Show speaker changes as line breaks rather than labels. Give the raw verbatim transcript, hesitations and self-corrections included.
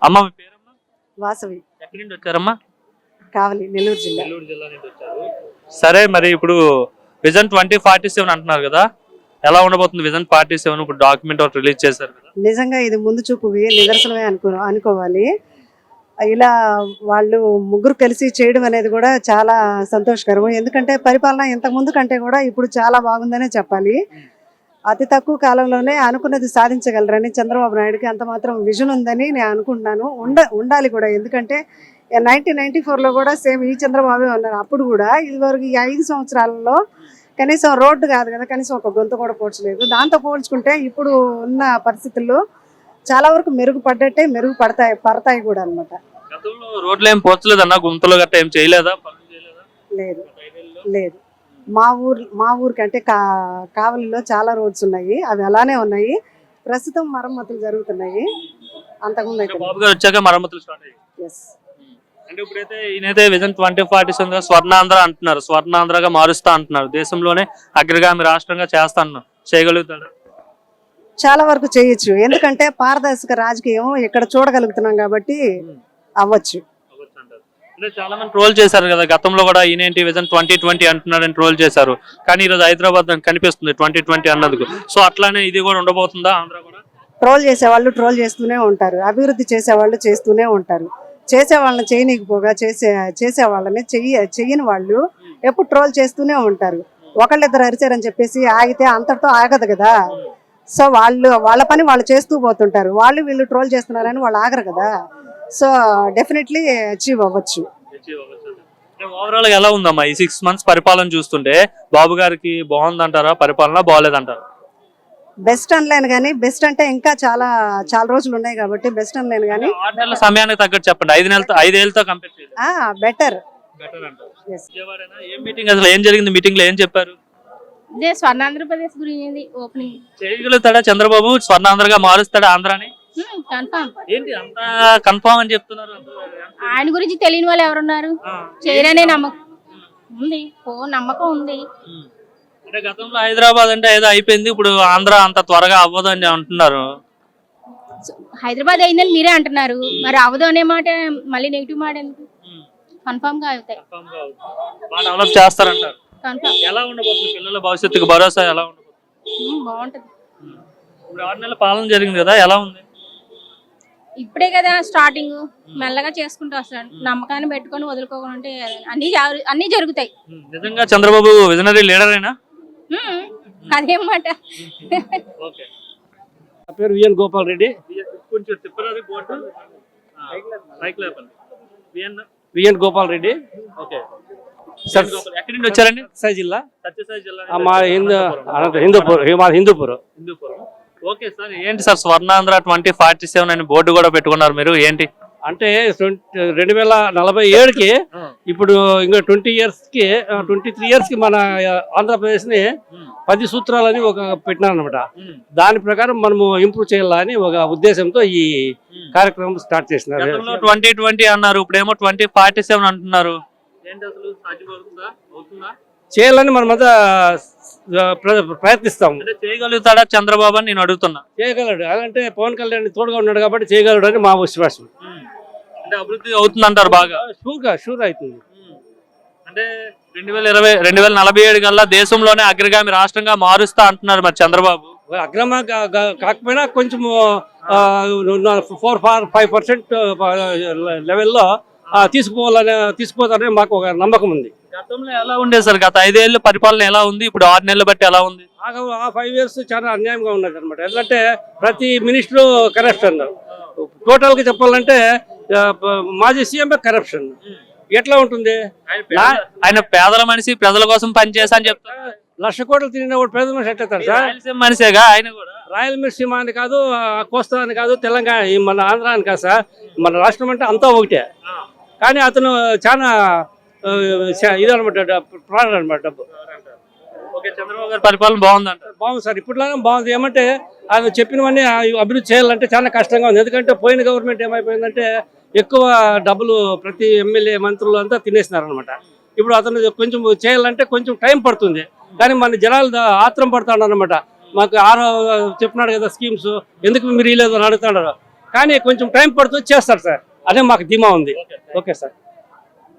అమ్మ మీ పేరమ్మా?
వాసవి.
ఎక్కడి నుండి వచ్చారమ్మా?
కావలి, నెల్లూరు జిల్లా.
నెల్లూరు జిల్లా నుంచి వచ్చారు. సరే, మరి ఇప్పుడు విజన్ ట్వంటీ ఫార్టీ సెవెన్ అంటున్నారు కదా, ఎలా ఉండబోతుంది విజన్ ఫార్టీ సెవెన్? ఇప్పుడు డాక్యుమెంట్ ఒకటి రిలీజ్ చేశారు కదా.
నిజంగా ఇది ముందు చూపు నిదర్శనమే అనుకో అనుకోవాలి. ఇలా వాళ్ళు ముగ్గురు కలిసి చేయడం అనేది కూడా చాలా సంతోషకరం. ఎందుకంటే పరిపాలన ఇంతకు ముందు కంటే కూడా ఇప్పుడు చాలా బాగుందనే చెప్పాలి. అతి తక్కువ కాలంలోనే అనుకున్నది సాధించగలరని చంద్రబాబు నాయుడుకి అంత మాత్రం విజన్ ఉందని నేను అనుకుంటున్నాను. ఉండ ఉండాలి కూడా. ఎందుకంటే నైన్టీన్ నైన్టీ ఫోర్లో కూడా సేమ్ ఈ చంద్రబాబే ఉన్నారు. అప్పుడు కూడా ఇదివరకు ఈ ఐదు సంవత్సరాలలో కనీసం రోడ్డు కాదు కదా, కనీసం ఒక గొంతు కూడా పోడ్చలేదు. దాంతో పోల్చుకుంటే ఇప్పుడు ఉన్న పరిస్థితుల్లో చాలా వరకు మెరుగుపడ్డట్టే, మెరుగుపడతాయి పడతాయి కూడా అనమాట.
రోడ్లు ఏం పోర్చలేదన్నా, గుంతలు గట్ట ఏం చేయలేదా?
లేదు లేదు. మా ఊరు మా ఊరికంటే కా కావలిలో చాలా రోడ్స్ ఉన్నాయి, అవి అలానే ఉన్నాయి. ప్రస్తుతం మరమ్మతులు జరుగుతున్నాయి. అంతకుముందు అయితే
బాబు గారు వచ్చాక మరమ్మతులు స్టార్ట్ అయ్యాయి.
ఎస్.
అంటే ఇప్పుడైతే ఈయనైతే vision twenty forty seven Swarnandhra అంటున్నారు, స్వర్ణాంధ్రగా మారుస్తా అంటున్నారు, దేశంలోనే అగ్రగామి రాష్ట్రంగా చేస్తా అన్నారు. చేయగలుగుతాడు?
చాలా వరకు చేయొచ్చు. ఎందుకంటే పారదర్శక రాజకీయం ఇక్కడ చూడగలుగుతున్నాం కాబట్టి అవ్వచ్చు.
అంటే చాలా మంది ట్రోల్ చేశారు కదా గతంలో కూడా, ఈయనేంటి విజన్ ట్వంటీ ట్వంటీ అంటున్నాడని ట్రోల్ చేశారు. కానీ ఈరోజు హైదరాబాద్ కనిపిస్తుంది ట్వంటీ ట్వంటీ అన్నందుకు. సో అట్లానే ఇది కూడా ఉండబోతుందా? ఆంధ్ర కూడా
ట్రోల్ చేసేవాళ్ళు ట్రోల్ చేస్తూనే ఉంటారు, అభివృద్ధి చేసేవాళ్ళు చేస్తూనే ఉంటారు. చేసే వాళ్ళని చేయనీకపోగా చేసే చేసే వాళ్ళని చెయ్య చెయ్యని వాళ్ళు ఎప్పుడు ట్రోల్ చేస్తూనే ఉంటారు. ఒకళ్ళిద్దరు అరిచారని చెప్పేసి ఆగితే అంతటితో ఆగదు కదా. సో వాళ్ళు వాళ్ళ పని వాళ్ళు చేస్తూ పోతుంటారు. వాళ్ళు వీళ్ళు ట్రోల్ చేస్తున్నారని వాళ్ళు ఆగరు కదా. సో డెఫినెట్లీ అచీవ్ అవ్వచ్చు.
ఓవరాల్ గా ఎలా ఉందమ్మా ఈ సిక్స్ మంత్స్ పరిపాలన చూస్తుంటే? బాబు గారికి బాగుందంటారా పరిపాలన, బాగలేదంటారా?
బెస్ట్ అనలేను కానీ, బెస్ట్ అంటే ఇంకా చాలా చాలా రోజులు ఉన్నాయి కాబట్టి బెస్ట్ అనలేను కానీ,
ఆరు నెలల సమయానికి తగ్గట్టు చెప్పండి. ఐదు నెలలతో ఐదేళ్లతో కంపేర్ చేయండి.
బెటర్.
ఏం మీటింగ్ అసలు ఏం జరిగింది? మీటింగ్ లో ఏం చెప్పారు?
స్వర్ణాంధ్రప్రదేశ్ గురించి ఓపెనింగ్
చేయగలుగుతాడా చంద్రబాబు? స్వర్ణాంధ్రగా మారుస్తాడా ఆంధ్రాని?
కన్ఫర్మ్.
ఏంటి అంత కన్ఫర్మ్ అని చెప్తున్నారు?
ఆయన గురించి తెలియని వాళ్ళు ఎవరున్నారు? చేయరనే నమ్మకం ఉంది, ఓ నమ్మకం ఉంది.
అంటే గతంలో హైదరాబాద్ అంటే ఏదో అయిపోయింది, ఇప్పుడు ఆంధ్ర అంత త్వరగా అవ్వదు అని అంటున్నారు.
హైదరాబాద్ అయిందని మీరే అంటున్నారు, మరి అవ్వదు అనే మాట మళ్ళీ నెగిటివ్ మాట ఎందుకు? కన్ఫర్మ్ గా అవుతాయి.
డెవలప్ చేస్తారంటారు.
కన్ఫర్మ్.
ఎలా ఉండబోతుంది పిల్లల భవిష్యత్తుకు భరోసా ఎలా ఉండబోతుంది?
బాగుంటది.
ఇప్పుడు ఆరు నెలల పాలన జరిగింది కదా, ఎలా ఉంది?
ఇప్పుడే కదా స్టార్టింగ్, మెల్లగా చేసుకుంటూ వస్తాడు. నమ్మకాన్ని పెట్టుకొని వదులుకోకుండా అన్ని అన్ని జరుగుతాయి.
నిజంగా చంద్రబాబు విజనరీ లీడర్ అయినా?
అదేం మాట.
నా పేరు విఎన్ గోపాల్ రెడ్డి.
కొంచెం తిప్పరాది board.
VN Gopal Reddy.
Okay. ఎక్కడి నుండి వచ్చారండి?
సత్యసాయి జిల్లా.
సత్యసాయి జిల్లా.
మా హిందూ హిందూపూర్ మా హిందూపూర్
హిందూపూర్. ఓకే సార్, ఏంటి sir Swarnandhra twenty forty seven అని బోర్డు కూడా పెట్టుకున్నారు మీరు, ఏంటి?
అంటే రెండు వేల నలభై ఏడుకి ఇప్పుడు ఇంకా ట్వంటీ ఇయర్స్ కి ట్వంటీ త్రీ ఇయర్స్ కి మన ఆంధ్రప్రదేశ్ ని పది సూత్రాలని ఒక పెట్టినారు అనమాట. దాని ప్రకారం మనము ఇంప్రూవ్ చేయాలని ఒక ఉద్దేశంతో ఈ కార్యక్రమం స్టార్ట్ చేసినారు.
ట్వంటీ ట్వంటీ అన్నారు, ఇప్పుడేమో ట్వంటీ ఫార్టీ సెవెన్ అంటున్నారు.
చేయాలని మనమంతా ప్రయత్నిస్తాం.
చేయగలుగుతాడా చంద్రబాబు అని నేను అడుగుతున్నా.
చేయగలడు, అలాంటే పవన్ కళ్యాణ్ తోడుగా ఉన్నాడు కాబట్టి చేయగలడు అని మా విశ్వాసం.
అంటే అభివృద్ధి అవుతుంది అంటారు బాగా?
షూర్గా షూర్ అవుతుంది.
అంటే రెండు వేల ఇరవై రెండు వేల నలభై ఏడు కల్లా దేశంలోనే అగ్రగామి రాష్ట్రంగా మారుస్తా అంటున్నారు మరి చంద్రబాబు.
అగ్రమ కాకపోయినా కొంచెం ఫోర్ ఫార్ ఫైవ్ పర్సెంట్ లెవెల్లో తీసుకుపోవాలని తీసుకుపోతారని మాకు ఒక నమ్మకం ఉంది.
గతంలో ఎలా ఉండేది సార్? గత ఐదేళ్ళు పరిపాలన ఎలా ఉంది? ఇప్పుడు ఆరు నెలలు బట్టి ఎలా ఉంది?
ఆ ఫైవ్ ఇయర్స్ చాలా అన్యాయంగా ఉన్నది అనమాట. ఎందుకంటే ప్రతి మినిస్టరు కరప్షన్. టోటల్ గా చెప్పాలంటే మాజీ సీఎం కరప్షన్. ఎట్లా ఉంటుంది?
ఆయన పేదల మనిషి, ప్రజల కోసం పనిచేసా అని చెప్తారు.
లక్ష కోట్లు తిరిగిన పేద మనిషి ఎట్లయితారు సార్?
రాయలసీమ మనిషేగా ఆయన కూడా.
రాయలసీమ అని కాదు, కోస్తా అని కాదు, తెలంగాణ మన ఆంధ్ర అని కాదు సార్. మన రాష్ట్రం అంటే అంతా ఒకటే. కానీ అతను చాలా ఇదనమాట, ప్రాణం అనమాట డబ్బు.
చంద్రబాబు గారి పరిపాలన బాగుందంట?
బాగుంది సార్, ఇప్పట్లోనే బాగుంది. ఏమంటే ఆయన చెప్పినవన్నీ అభివృద్ధి చేయాలంటే చాలా కష్టంగా ఉంది. ఎందుకంటే పోయిన గవర్నమెంట్ ఏమైపోయిందంటే ఎక్కువ డబ్బులు ప్రతి ఎమ్మెల్యే మంత్రులు అంతా తినేసినారు అనమాట. ఇప్పుడు అతను కొంచెం చేయాలంటే కొంచెం టైం పడుతుంది. కానీ మన జనాలు ఆత్రం పడుతున్నాడు అనమాట. మాకు ఆరో చెప్పినాడు కదా స్కీమ్స్, ఎందుకు మీరు ఇవ్వలేదు అని అడుగుతున్నారు. కానీ కొంచెం టైం పడుతుంది, చేస్తారు సార్. అదే మాకు ధీమా ఉంది. Okay sir.